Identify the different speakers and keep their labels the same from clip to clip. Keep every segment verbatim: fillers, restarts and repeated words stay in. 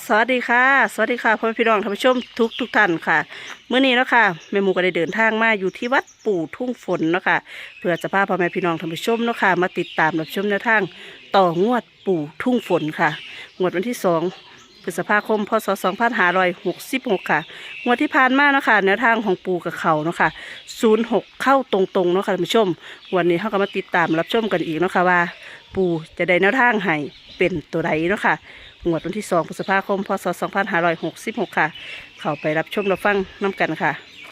Speaker 1: สวัสดีค่ะสวัสดีค่ะพ่อแม่พี่น้องท่านผู้ชมทุกทุกท่านค่ะเมื่อนี้เนาะค่ะแม่หมูก็ได้เดินทางมาอยู่ที่วัดปู่ทุ่งฝนเนาะค่ะเพื่อจะพาพ่อแม่พี่น้องท่านผู้ชมเนาะค่ะมาติดตามรับชมแนวทางต่องวดปู่ทุ่งฝนค่ะงวดวันที่สองพฤษภาคมพศสองพันห้าร้อยหกสิบหกค่ะงวดที่ผ่านมาเนาะค่ะแนวทางของปู่กับเขาเนาะค่ะศูนย์หกเข้าตรงๆเนาะค่ะท่านผู้ชมวันนี้เขาก็มาติดตามรับชมกันอีกเนาะค่ะว่า ปู่จะได้แนวทางให้เป็นตัวใดเนาะค่ะงวดวันที่สองพฤษภาคมพศสองพันห้าร้อยหกสิบหกค่ะเข้าไปรับชมรับฟังน้ำกันค่ะ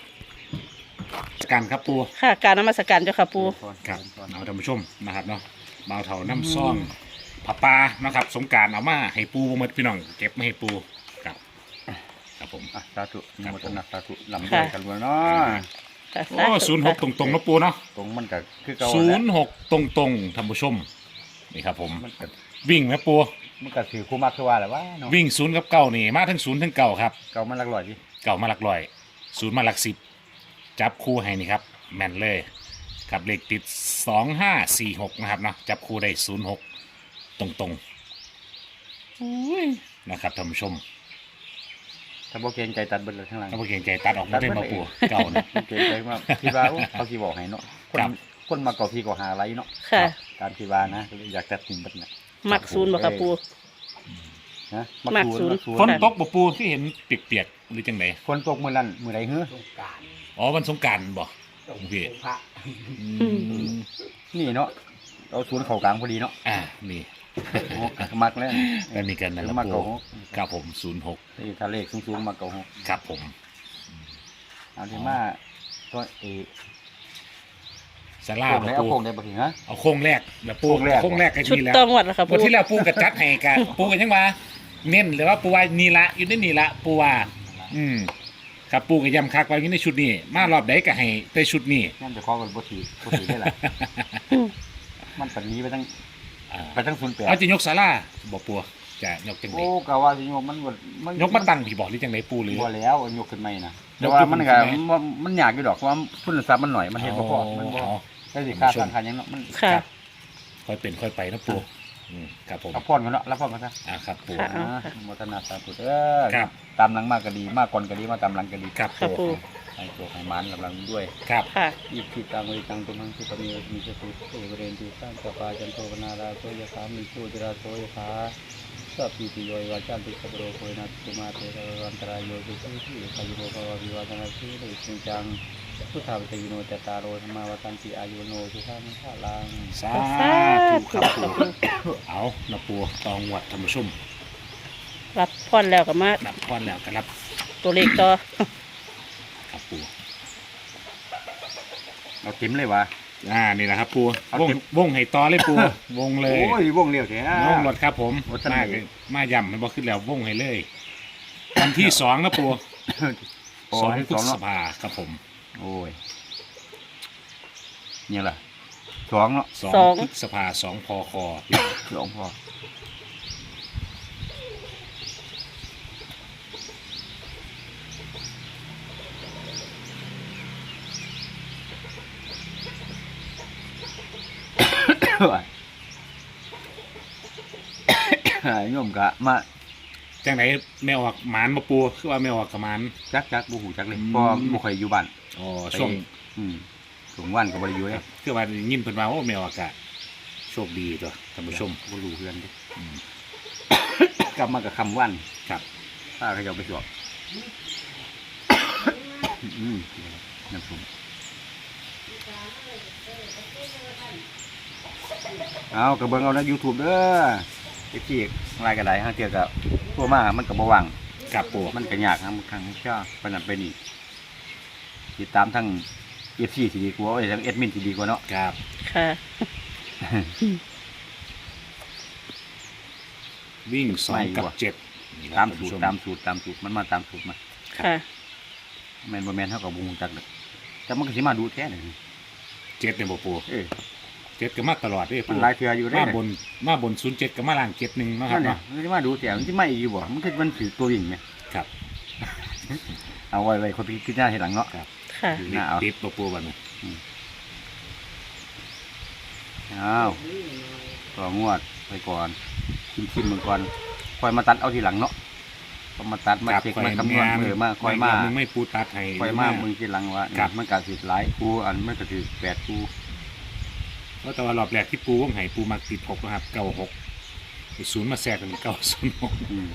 Speaker 2: การครับปู
Speaker 1: ค่ะการนมัสการเจ้าค่ะปู่
Speaker 2: ครับเอาท่านผู้ชมนะครับเนาะบ่าวเถาน้ำซ่องผับปลานะครับสงกรารเอามาให้ปูบ่หมดพี่น้องเก็บมาให้ปูครับครับผม
Speaker 3: อ่ะสาธุนิมนต์นะสาธุลำด้วยกันเลยเนาะ
Speaker 1: ค่ะ
Speaker 2: โอ้ศูนย์หกตรงๆนะปูเนาะ
Speaker 3: ตรงมันก็คือเก่า
Speaker 2: ศู
Speaker 3: แหละ
Speaker 2: นย์หกตรงๆท่านผู้ชมนี่ครับผม
Speaker 3: มันก็
Speaker 2: วิ่งไหมปู
Speaker 3: มันก็ถือคู่มากคือว่าแหละว่าเนาะ
Speaker 2: วิ่งศูนย์กับเก้านี่มาทั้งศูนย์ทั้งเก้าครับ
Speaker 3: เก่ามันหลักร้อยดิ
Speaker 2: เก้ามาหลักร้อยศูนย์มาหลักสิบจับคู่ให้นี่ครับแม่นเลยกับเลขติดสองห้าสี่หกนะครับเนาะจับคู่ได้ศูนย์หกตรงๆอุ้ยนะครับท่านผู้ชม
Speaker 3: ถ้าบ่เกรงใจตัดเบิดเลยข้างหลัง
Speaker 2: ถ้าพวกเก่งใจตัดออกมาได้มาปูเก่านะ
Speaker 3: เกรงใจมากคิดว่าโอ้เขาสิบอกให้เนาะคน
Speaker 2: ครับ
Speaker 3: คนมาเก่าพี่ก็หาอะไรเนาะ
Speaker 1: ค่ะ
Speaker 3: ตามที่ว่านะก็เลยอยากตัดทิ้งเบิดน่ะ
Speaker 1: มักศูนย์บ่ค่ะปู่
Speaker 3: นะ
Speaker 1: มักศูนย์
Speaker 3: มักศูน
Speaker 2: ฝน
Speaker 3: ย์
Speaker 2: ตกบ่ปูที่เห็นเปียกๆหรือจังได
Speaker 3: ฝนตกมื้อนั้นมื้อใดเฮ้อ
Speaker 2: อ๋อวันสงกรานต์บ่โอเคอืม
Speaker 3: นี่เนาะเอาศูนย์เข้ากลางพอดีเนาะ
Speaker 2: อ่านี่
Speaker 3: โอ้มักแล้ว
Speaker 2: อันนี้กันนะค
Speaker 3: แล้
Speaker 2: รั
Speaker 3: ว
Speaker 2: บ
Speaker 3: มา
Speaker 2: ปู
Speaker 3: เก่าหก
Speaker 2: ครับผมศูนย์หก
Speaker 3: นี่ถ้าเลขสูงๆมาเก่าหก
Speaker 2: ครับผม
Speaker 3: เอาที่มาตัวเอ
Speaker 2: สลา
Speaker 3: โค้ง
Speaker 2: บ่
Speaker 3: ได้เอา
Speaker 2: ปู
Speaker 3: โค้งได้บ่ถึงฮะ
Speaker 2: เอาโค้งแรกแบบปู
Speaker 3: โค้งแรก
Speaker 2: โค้งแรกกัน
Speaker 1: ชุด
Speaker 2: นี่แล้ว
Speaker 1: ต้องวัดแล้วค่ะ
Speaker 2: วัน
Speaker 1: ปู่
Speaker 2: ที่แล้วปูกระจัดให้กัน ปูกันยังว่าเน้นหรือว่าปูว่านี่ละอยู่ในนี่ละปูว่าอืมครับปูก็ย้ำคักไว้อยู่ในชุดนี้ มารอบใดก็ให้ไปชุดนี้
Speaker 3: นั่นจะขอกันบ่ถือบ่ถือได้ล่ะ มันปันนี้ไปทั้ง
Speaker 2: อ่า
Speaker 3: ไปทั้งศูนย์แปด
Speaker 2: เอาจะยกศาลาบ่ปูจะยกจังได
Speaker 3: โอ้กะว่าสิยกมันบ่มัน
Speaker 2: ยกมาตั้งพี่บอกหรือจังไดปูหรือ
Speaker 3: บ่แล้วยกขึ้นใหม่นะ
Speaker 2: ย
Speaker 3: แต่
Speaker 2: ก
Speaker 3: ว่า
Speaker 2: ขึ้น
Speaker 3: มัน
Speaker 2: ใหม่
Speaker 3: ก็
Speaker 2: ใช่ไหม
Speaker 3: มันมันยากอยู่ดอกเพราะว่าทุนทรัพย์มันหน่อยมันเฮ็ดบ่พอมันบ่
Speaker 2: อ๋อ
Speaker 3: ได้สิค่าสร้างค่าหยังเนาะมัน
Speaker 1: ค่ะ
Speaker 2: ค่อยเป็นค่อยไปนะปูอืมครับผม
Speaker 3: รับพรกันเนาะรับพรกันซะ
Speaker 2: อ่าครับปู
Speaker 1: ค่ะ
Speaker 3: อ่าโมทนาสาธุเด้อ
Speaker 2: ครับ
Speaker 3: ตามหลังมากก็ดีมากก่อนก็ดีมาตามหลังก็ดี
Speaker 2: ครับ
Speaker 1: ค่ะ
Speaker 2: ปู
Speaker 1: ปู่
Speaker 3: ให้โชคให้หมานกำลังด้วย
Speaker 2: ครับ
Speaker 1: ค่ะ
Speaker 3: อีกที่ตังเวตังตุมังสุปนิมีสตุเอเวเรนติสังกปาจันโทปนาราโสยะสามิโชติราโสยะสาสัพพิติโยยวาจันติสัพโรโคยนัสตุมาเตระวันตรายโยสุขีที่ขยุโภภววิวาทนาสีเลยจริงจังพุทธาวิตโยโนจตารโรธรรมาวัตันติอายุโนสุขังภาลัง
Speaker 2: สาธุครับปูเอานะปูตองวัดธรรมชุ่ม
Speaker 1: รับพรแล้วก็มา
Speaker 2: นับพรแล้วก็รับ
Speaker 1: ตัวเลขต่อ
Speaker 2: ครับปู
Speaker 3: เอาเต็มเลยวะ
Speaker 2: อ่านี่นะครับปู
Speaker 3: เอา
Speaker 2: วง
Speaker 3: เต็ม
Speaker 2: วงให้ต่อเลยปูวงเลย
Speaker 3: โอ้ยวงเร็วแท้
Speaker 2: วงรถครับผม
Speaker 3: โอ้ท่าน
Speaker 2: มา
Speaker 3: เอ๋ย
Speaker 2: มาย่ำมันบอกขึ้นแล้ววงให้เลยวันที่สองนะปู
Speaker 3: โอ้
Speaker 2: สอง
Speaker 3: ให้
Speaker 2: พฤ
Speaker 3: สอง
Speaker 2: ษ
Speaker 3: เนาะ
Speaker 2: ภาครับผม
Speaker 3: โอ้ยเนี่ยล่ะสองเนาะ
Speaker 2: สอง
Speaker 1: สอง
Speaker 2: พฤษภาสองพค
Speaker 3: สองพอโยมกะมา
Speaker 2: จังไหนแมวออกหมานมาปูคือว่าแมวออกกับหมาน
Speaker 3: จักจักบูหูจักเลย
Speaker 2: อืม
Speaker 3: เพราะบ่ค่อยอยู่บ้าน
Speaker 2: อ๋อช่วง
Speaker 3: อืมช่วงวันก็บ่ได้อยู่เลย
Speaker 2: คือว่ายินเพิ่นมาว่าแมวอากาศโชคดีตัวท่านผู้ชม
Speaker 3: บ่รู้เพื่อนเดิ
Speaker 2: อืม
Speaker 3: กลับมากับคำวัน
Speaker 2: ครับ
Speaker 3: ถ้าเขาจะเอาไปสวบอืมน้ำส้มเอากระเบื้องเอาใน YouTube เด้อไอ้ที่รายกระไดห้างเทียกับตัวมามันกับบ่วัง
Speaker 2: ครับปู
Speaker 3: มันก็ยากนะมันครั้งชาเป็นนั่นเป็นนี่ติดตามทั้งเอฟซีที่ดีกว่าไอ้ทั้งเอดมินที่ดีกว่าเนาะ
Speaker 2: ครับ
Speaker 1: ค่ะ
Speaker 2: วิ่งสองกับเจ็ดนี่นะ
Speaker 3: ตาม
Speaker 2: ท่น
Speaker 3: สู
Speaker 2: ผู้
Speaker 3: ต
Speaker 2: ช
Speaker 3: รตามสูตรตามสูตรมันมาตามสูตรมา
Speaker 1: ค่ะ
Speaker 3: แมนบ่แมนเท่ากับวงจักเลยแต่มันก็สิมาดูแท้เลย
Speaker 2: เจ็ดเนี่ยบ่ปู
Speaker 3: เออ
Speaker 2: เจ็ดก็มาตลอดเด้
Speaker 3: มั
Speaker 2: ปู
Speaker 3: นหลายเทื่ออยู่ได้
Speaker 2: มาบนมาบนศูนย์เจ็ดกับมาล่างเจ็ดหนึ่งนาะครั
Speaker 3: นั่
Speaker 2: บ
Speaker 3: นเนี่ย
Speaker 2: เนาะ
Speaker 3: มันสิมาดูแท้มันสิมาอีกอยู่บ่มันคือมันถือตัววิ่งไหม
Speaker 2: ครับ
Speaker 3: เอาไว้ไว้คนที่คิดหน้าเห็นหลังเนาะ
Speaker 2: ครับ
Speaker 1: ค่ะ
Speaker 2: อยู่
Speaker 3: น่าเอา
Speaker 2: ติดบ่ปูบัดนี้
Speaker 3: อ้าวต่องวดไปก่อนชิมชิมมันก่อนค่อยมาตัดเอาทีหลังเนาะก็มาตัดมา
Speaker 2: ครับ
Speaker 3: เช็ค
Speaker 2: ข่อย
Speaker 3: มาคำนวณ
Speaker 2: แม่น
Speaker 3: มือมาคอยมา
Speaker 2: มึงไม่ปูตัดให้
Speaker 3: คอยมามึงทีหลังว่า
Speaker 2: ครับ
Speaker 3: มันก็สิหลายกูอันมันก็สิแปดกู
Speaker 2: เพราะแต่ว่ารอบแรกที่ปูวงไห้ปูมาติดหกนะครับเก้าหกศูนย์มาแทรกเป็นเก้าศูนย์หก
Speaker 3: อืม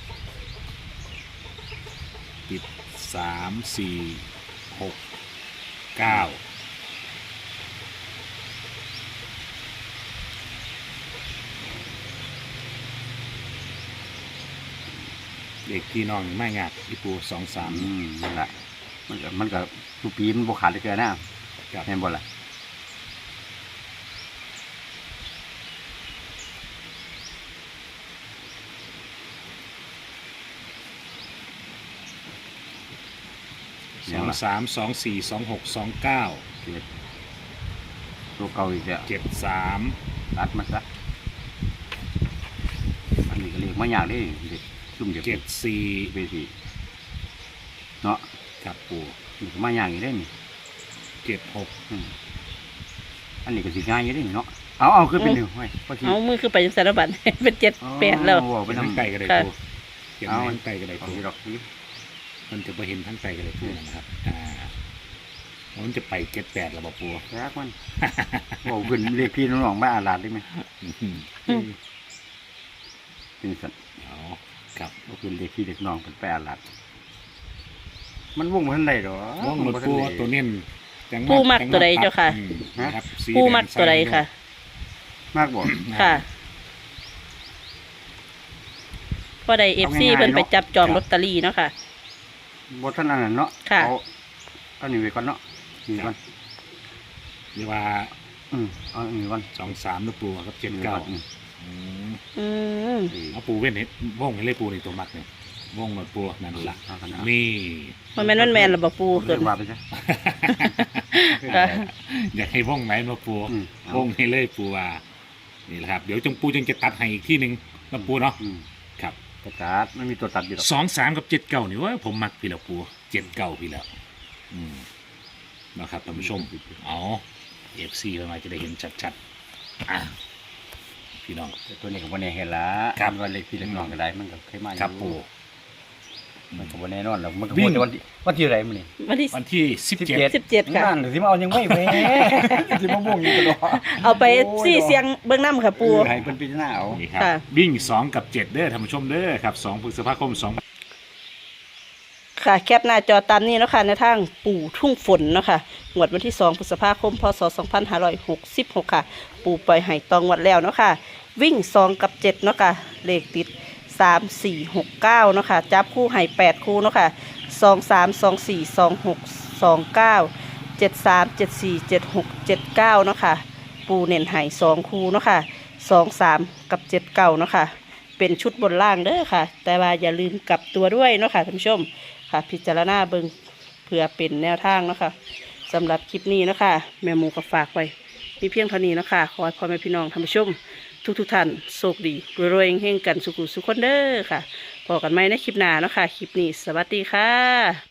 Speaker 2: ติดสามสี่หกเก้าเด็กพี่น้องไม่งากพี่ปูสองสาม
Speaker 3: อืมนั่นแหละมันก็มันก็ทุกปีมันบ่ขาดเลยเกินนะ
Speaker 2: ครับ
Speaker 3: แม่นบ่ล่ะ
Speaker 2: สองสามสองสี่สองหกสองเก้า
Speaker 3: เจ็ดตัวเก่าอีกแล้ว
Speaker 2: เจ็ดสาม
Speaker 3: ตัดมาซะอันนี้ก็เรียกมาอย่างนี้เด็กซุ่มเด็ก
Speaker 2: เจ็ดสี่
Speaker 3: ไปสิเนาะ
Speaker 2: ครับปู
Speaker 3: นี่ก็มาอย่างนี้ได้นี่
Speaker 2: เจ็ดหก
Speaker 3: อืมอันนี้ก็สิง่ายอยู่ได้นี่เนาะเอาเอาขึ้นไปหนึ่งไว้พอที
Speaker 1: เอามือคือไปจังสารบัตร เป็นเจ็ดแปดแล้ว
Speaker 3: เอา
Speaker 2: ไป
Speaker 3: ไป
Speaker 2: ทั้ง
Speaker 3: ทำ
Speaker 2: ไตก็ได้
Speaker 1: ค่ะ
Speaker 2: ปูเขียน
Speaker 3: เอา
Speaker 2: ไว้ทั้งไตก็ได้
Speaker 3: เอา
Speaker 2: ปู
Speaker 3: ที่ดอกนี้
Speaker 2: มันจะไปเห็นทั้งไตก็ได้ปูนะครับอ่ามันจะไปเจ็ดแปดแล้วบ่ปู
Speaker 3: แรกมันบอกขึ้นเรียกพี่น้องๆมาอาลาดได้ไหม
Speaker 2: อื้อหือ
Speaker 1: อืม
Speaker 3: เป็นสัตว์
Speaker 2: เอาครับ
Speaker 3: บอกขึ้นเรียกพี่เด็กน้องเป็นไปอาลาดมันว่องมันได้หรอ
Speaker 2: ว่องหมดปูตัวเน้นจัง
Speaker 1: ปูมักตัวใดเจ้าค่ะ
Speaker 2: อืมนะครับสี
Speaker 1: ปูมัดตัวใดค่ะ
Speaker 3: มากบ่
Speaker 1: ค่ะพอได้เอฟซี
Speaker 3: เอาง่ายๆ
Speaker 1: เพิ่นไป
Speaker 3: เนาะ
Speaker 1: จับจองลอตเตอรี่เนาะค่ะ
Speaker 3: บ่ท่านอันนั้นเนาะ
Speaker 1: ค่ะ
Speaker 3: เอาเอานี่ไว้ก่อนเนาะนี่ก่อน
Speaker 2: เรียกว่า
Speaker 3: อืมเอาอันนี้ก่อน
Speaker 2: สองสามนะปูครับเจ็ด
Speaker 3: นี่
Speaker 2: เก้า
Speaker 3: ก่อนอืม
Speaker 2: อืม
Speaker 1: อืม
Speaker 2: เอาปูเว้นเห็ดว่องให้เลยปูในตัวมัดเนี่ยว่องหมดปูนั่นละ
Speaker 3: เอากันนะ
Speaker 2: นี่
Speaker 1: มันแม่นมันแม่นระบปู
Speaker 3: เรี
Speaker 1: เกิ
Speaker 3: ย
Speaker 1: น
Speaker 3: กว่าไปซะ
Speaker 1: ค่ะ
Speaker 2: อยากให้ว่องไหนมาปู
Speaker 3: อืมเอา
Speaker 2: ว่องให้เลยปูว่านี่แหละครับเดี๋ยวจงปูจงจะตัดให้อีกที่หนึ่งนะปูเนาะ
Speaker 3: อืม
Speaker 2: ครับ
Speaker 3: กระตัดมันมีตัวตัดอยู่หรอก
Speaker 2: สองสามกับเจ็ดเก้านี่ว่าผมมักพี่แล้วปูเจ็ดเก้าพี่แล้วอืมนะครับท่านผู้ชมเอาเอฟซีมาจะได้เห็นชัดๆอ่ะพี่น้อง
Speaker 3: แต่ตัวนี้ก็บ่แน่เห็นละ
Speaker 2: ครับ
Speaker 3: มันว่าเล็กพี่เล็กน้องก็ได้มันก็เคยมาอยู่
Speaker 2: ครับปู
Speaker 3: มันก็บ่แน่นอนหรอกมันก็
Speaker 2: วิ่
Speaker 3: พู
Speaker 2: ง
Speaker 3: ดแต่วันที่วันที่อะไรมันนี่
Speaker 1: วันที่
Speaker 2: วันที่สิบเจ็ด
Speaker 1: สิบเจ็ดค่ะ
Speaker 3: นั่นสิมาเอายังไม่แพ้ สิมาบ่งอยู่ตลอด
Speaker 1: เอาไปสี่เสียงเบื้องน้ำค่ะปู
Speaker 3: ให้เพิ่นพิจารณาเอา
Speaker 2: นี่ครับ
Speaker 1: ค่ะ
Speaker 2: วิ่งสองกับเจ็ดเด้อท่านผู้ชมเด้อครับสองพฤษภาคมสอง
Speaker 1: ค่ะแคปหน้าจอตามนี้เนาะค่ะในทางปู่ทุ่งฝนเนาะค่ะงวดวันที่สองพฤษภาคมพศสองพันห้าร้อยหกสิบหกค่ะ ปู่ปล่อยไห่ตองงวดแล้วเนาะค่ะ วิ่งสองกับเจ็ดเนาะค่ะเลขติดสามสี่หกเก้าเนาะค่ะจับคู่ไห่แปดคู่เนาะค่ะสองสามสองสี่สองหกสองเก้าเจ็ดสามเจ็ดสี่เจ็ดหกเจ็ดเก้าเนาะค่ะปูเน่นไห่สองคู่เนาะค่ะสองสามกับเจ็ดเก้าเนาะค่ะเป็นชุดบนล่างเด้อค่ะ แต่ว่าอย่าลืมกลับตัวด้วยเนาะค่ะท่านผู้ชมค่ะ พิจารณาเบิ่งเพื่อเป็นแนวทางเนาะค่ะสำหรับคลิปนี้เนาะค่ะแม่หมูก็ฝากไว้มีเพียงเท่านี้เนาะค่ะขอให้พ่อแม่พี่น้องท่านผู้ชม ทุกทุกๆท่านโชคดีรวยๆเฮงๆกันสุขุสุขคนเด้อค่ะพบกันใหม่ในคลิปหน้าเนาะค่ะคลิปนี้สวัสดีค่ะ